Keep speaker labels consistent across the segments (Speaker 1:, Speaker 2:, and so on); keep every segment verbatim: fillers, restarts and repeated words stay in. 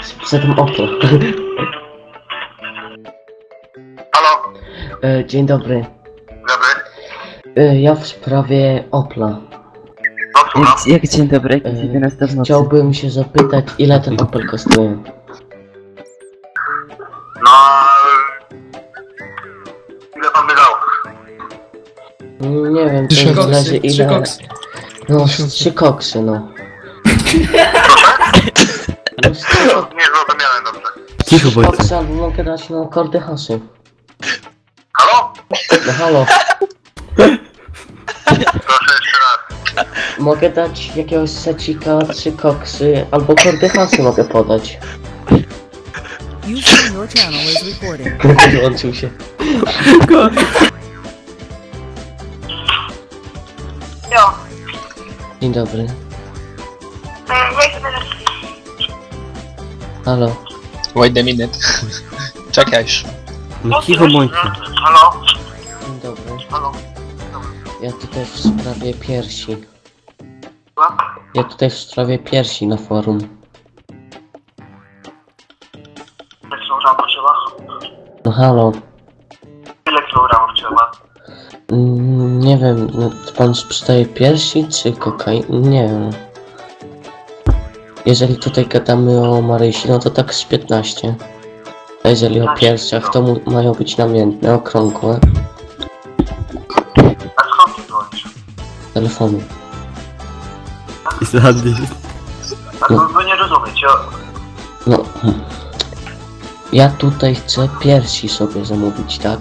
Speaker 1: za tym Opel.
Speaker 2: Halo?
Speaker 1: E, Dzień dobry.
Speaker 2: Dobry?
Speaker 1: E, Ja w sprawie Opla.
Speaker 2: No słucham.
Speaker 3: Jak, jak dzień dobry, jak
Speaker 1: E,
Speaker 3: jedenasta w nocy.
Speaker 1: Chciałbym się zapytać, ile ten Opel kosztuje?
Speaker 2: No... Ile pan by dał?
Speaker 1: Nie wiem, to
Speaker 4: Trzy koksy,
Speaker 1: zależy
Speaker 4: trzy
Speaker 1: ile...
Speaker 4: koksy.
Speaker 1: No, z trzy koksy, no. No, z trzy kok-
Speaker 2: Nie zrozumiałem dobrze.
Speaker 3: Cicho bądź.
Speaker 1: koksy albo mogę dać no kordy hasy.
Speaker 2: Halo?
Speaker 1: No halo,
Speaker 2: Proszę jeszcze raz.
Speaker 1: mogę dać jakiegoś secika, trzy koksy, albo kordy hasy mogę podać.
Speaker 5: User in your channel is recording.
Speaker 1: Wyłączył się.
Speaker 2: Jo.
Speaker 1: Dzień dobry. Halo.
Speaker 4: Wait a minute. Czekajsz.
Speaker 3: No cicho bądźcie.
Speaker 2: Halo?
Speaker 1: Dzień dobry.
Speaker 2: Halo?
Speaker 1: Ja tutaj w sprawie piersi.
Speaker 2: Słucham?
Speaker 1: Ja tutaj w sprawie piersi na forum.
Speaker 2: Ile kilogramów trzeba?
Speaker 1: No halo.
Speaker 2: Ile kilogramów trzeba?
Speaker 1: Mm, nie wiem, no, czy pan sprzedaje piersi czy kokain? Nie wiem. Jeżeli tutaj gadamy o Marysi, no to tak z piętnaście. A jeżeli o piersiach, to mu, mają być namiętne, okrągłe.
Speaker 2: A skąd ty dzwonisz?
Speaker 1: Telefonu.
Speaker 3: Zadnie.
Speaker 2: A no, wy nie rozumiecie.
Speaker 1: No. hmm. Ja tutaj chcę piersi sobie zamówić, tak?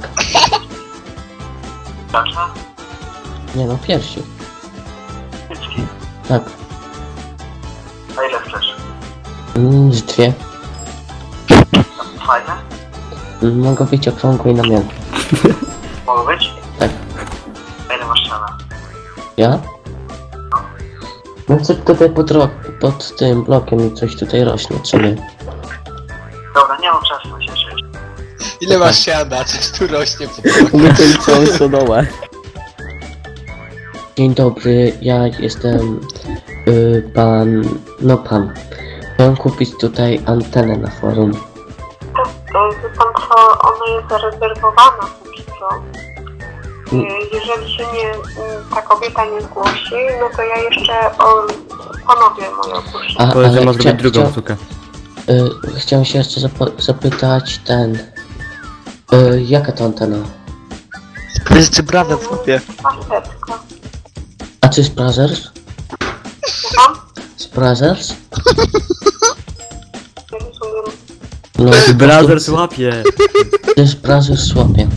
Speaker 2: Zacznę?
Speaker 1: Nie no, piersi.
Speaker 2: Cycki.
Speaker 1: Tak.
Speaker 2: A ile chcesz?
Speaker 1: Mm, z dwie.
Speaker 2: Fajne?
Speaker 1: Mm, mogą być okrągłe i namiętne.
Speaker 2: Mogą być?
Speaker 1: Tak.
Speaker 2: A ile masz ściana?
Speaker 1: Ja? No co tutaj pod, ro- pod tym blokiem i coś tutaj rośnie, czy nie?
Speaker 2: Dobra, nie mam czasu na się żyć.
Speaker 4: Ile masz siada? Coś tu rośnie po
Speaker 3: Umyję całą stodołę.
Speaker 1: Dzień dobry, ja jestem y, pan, no pan. Chciałem kupić tutaj antenę na forum.
Speaker 6: Wie pan co, ona jest zarezerwowana póki co.
Speaker 1: Mm.
Speaker 6: Jeżeli się nie, ta kobieta nie zgłosi, no to ja jeszcze o, ponowię moje opuszczenie.
Speaker 1: A,
Speaker 3: Powiedz, że
Speaker 1: ale
Speaker 3: masz
Speaker 1: chcia-
Speaker 3: zrobić drugą
Speaker 1: chcia-
Speaker 3: sztukę.
Speaker 1: y, Chciałem się jeszcze zap- zapytać ten... Y, jaka to antena?
Speaker 4: To jest brada w kupie.
Speaker 6: Paseczka.
Speaker 1: A czy z Brothers?
Speaker 6: Słucham?
Speaker 1: Z Brothers?
Speaker 6: Nie rozumiem.
Speaker 1: No,
Speaker 3: Brother łapie.
Speaker 1: z Brothers słabie.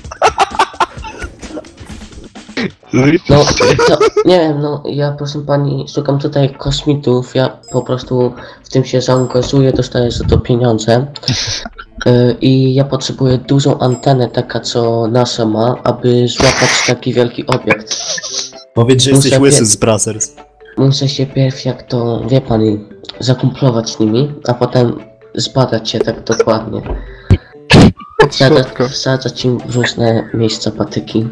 Speaker 1: No, to, nie wiem, no, ja proszę pani, szukam tutaj kosmitów, ja po prostu w tym się zaangażuję, dostaję za to pieniądze. Y, I ja potrzebuję dużą antenę, taka co NASA ma, aby złapać taki wielki obiekt.
Speaker 7: Powiedz, że
Speaker 1: Muszę
Speaker 7: jesteś łysy
Speaker 1: wie-
Speaker 7: z Brothers.
Speaker 1: Muszę się pierw, jak to, wie pani, zakumplować z nimi, a potem zbadać się tak dokładnie. Wsadzać, wsadzać im w różne miejsca patyki.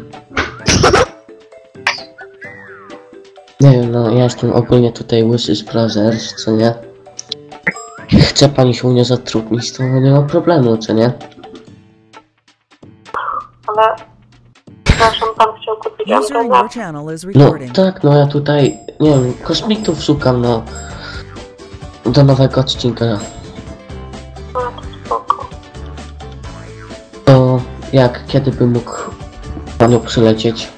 Speaker 1: Nie wiem, no ja jestem ogólnie tutaj łysy z Brothers, co nie? Chce pani się u mnie zatrudnić, to nie ma problemu, co nie?
Speaker 6: Ale przepraszam, pan chciał kupić
Speaker 5: User in
Speaker 6: antenę.
Speaker 5: your channel is
Speaker 1: No
Speaker 5: recording.
Speaker 1: tak, no ja tutaj, nie wiem, kosmitów szukam, no. Do nowego odcinka.
Speaker 6: No to spoko.
Speaker 1: To jak, kiedy bym mógł panią przylecieć?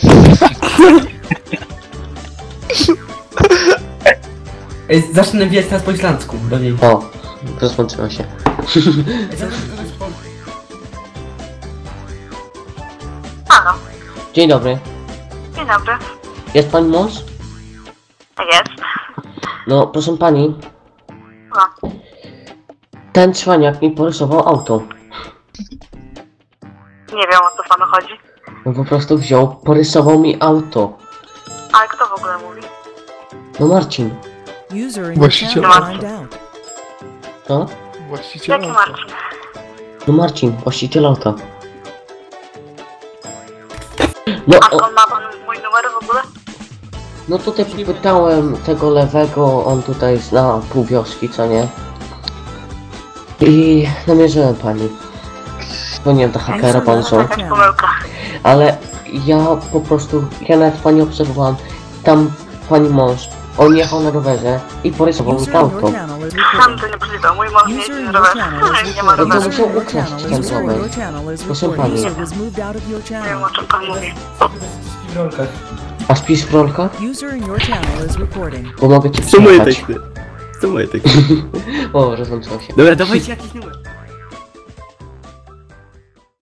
Speaker 8: Ej, zacznę wiedzieć teraz po islandzku do niej.
Speaker 1: O, rozłączyła się.
Speaker 6: Halo,
Speaker 1: Dzień dobry.
Speaker 6: dzień dobry.
Speaker 1: Jest pani mąż?
Speaker 6: Jest.
Speaker 1: No, proszę pani.
Speaker 6: No.
Speaker 1: Ten cwaniak mi porysował auto.
Speaker 6: Nie wiem, o co panu chodzi.
Speaker 1: No po prostu wziął, porysował mi auto.
Speaker 6: Ale kto w ogóle mówi?
Speaker 1: No Marcin.
Speaker 5: User in your
Speaker 4: Właściciel.
Speaker 5: channel timed out.
Speaker 1: No?
Speaker 4: Właściciel.
Speaker 6: Jaki Marcin?
Speaker 1: No Marcin, właściciel auta. No,
Speaker 6: A
Speaker 1: o,
Speaker 6: skąd ma pan mój numer w ogóle?
Speaker 1: no tutaj popytałem tego lewego, on tutaj zna pół wioski, co nie? I namierzyłem pani. Dzwoniłem do hakera, pan są.
Speaker 6: Jakaś pomyłka.
Speaker 1: Ale ja po prostu, ja nawet pani obserwowałem, tam pani mąż, on jechał na rowerze i porysował mi
Speaker 5: User in your
Speaker 1: auto.
Speaker 5: channel is
Speaker 2: Sam
Speaker 5: recording.
Speaker 2: to niemożliwe. Mój mąż nie
Speaker 5: User
Speaker 2: jeździ
Speaker 5: in
Speaker 2: na
Speaker 5: your
Speaker 2: rowerze.
Speaker 5: channel is
Speaker 2: Nie ma
Speaker 1: No to
Speaker 2: roweru.
Speaker 1: musiał
Speaker 5: User in your
Speaker 1: ukraść
Speaker 5: channel
Speaker 1: ten
Speaker 5: is- user in
Speaker 1: rower.
Speaker 5: your channel is
Speaker 1: Proszę
Speaker 5: recording.
Speaker 1: pani.
Speaker 5: User was moved out of your
Speaker 2: Nie wiem,
Speaker 5: channel.
Speaker 2: o czym pan mówi.
Speaker 8: W rolkach.
Speaker 1: A spisz w rolkach?
Speaker 5: User in your channel is recording.
Speaker 1: Bo mogę ci
Speaker 3: To moje
Speaker 1: przyjechać.
Speaker 3: teksty. To moje teksty.
Speaker 1: O, rozłączyło się.
Speaker 3: Dobra, dawajcie jakiś numer.